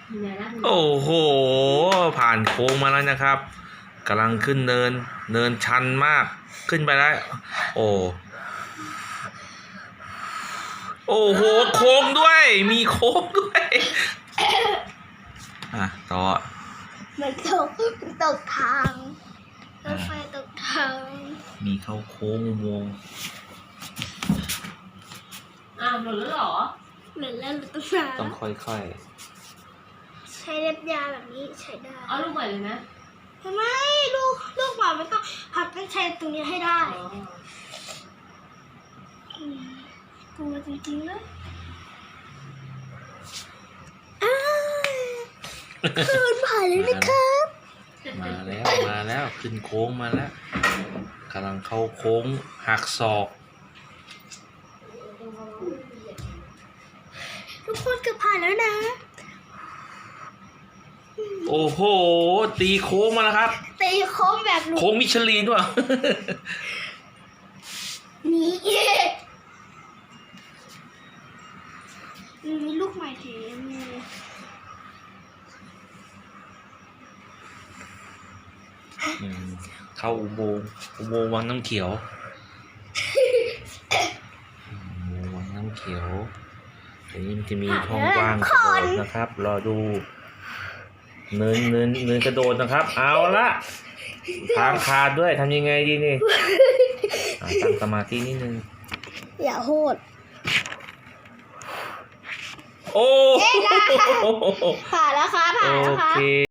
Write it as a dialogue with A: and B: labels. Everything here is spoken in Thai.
A: โอ้โหผ่านโค้งมาแล้วนะครับกำลังขึ้นเนินชันมากขึ้นไปแล้วโอ้โหโค้งด้วยมีโค้งด้วยต่อ
B: มันตกทางรถไฟตกทาง
A: มีเข้าโค้งอุโมงค์
C: หมดแล้วเหรอ
B: เหมือนแล้ว
A: ต้องค่อย
B: ใช้เล็บยาแบบนี้ใช้ได้
C: เอาลูกใหม่เลยนะ
B: ทำไมลูกหมาไม่ต้องหัดต้องใช้ตรงนี้ให้ได้กลัวจริงๆเลยขึ้นผ่านเลยนะครับ
A: มาแล้วขึ้นโค้งมาแล้วกำลังเข้าโค้งหักศอก
B: ทุกคนเกือบผ่านแล้วนะ
A: โอ้โหตีโค้งมาแล้วครับ
B: ตีโค้งแบบ
A: โค้งมิชลินว่ะ
B: นี่มีลูกใหม่ทีมี
A: เข้าอุโมงค์วังน้ำเขียววังน้ำเขียวอันนี้มันจะมีช่องว่างกระโดดนะครับรอดูเนินกระโดดนะครับเอาละทางขาดด้วยทำยังไงดีนี่ตั้งสมาธินิดนึง
B: อย่าโหด
A: โอ้
B: ผ่านแล้วค่ะ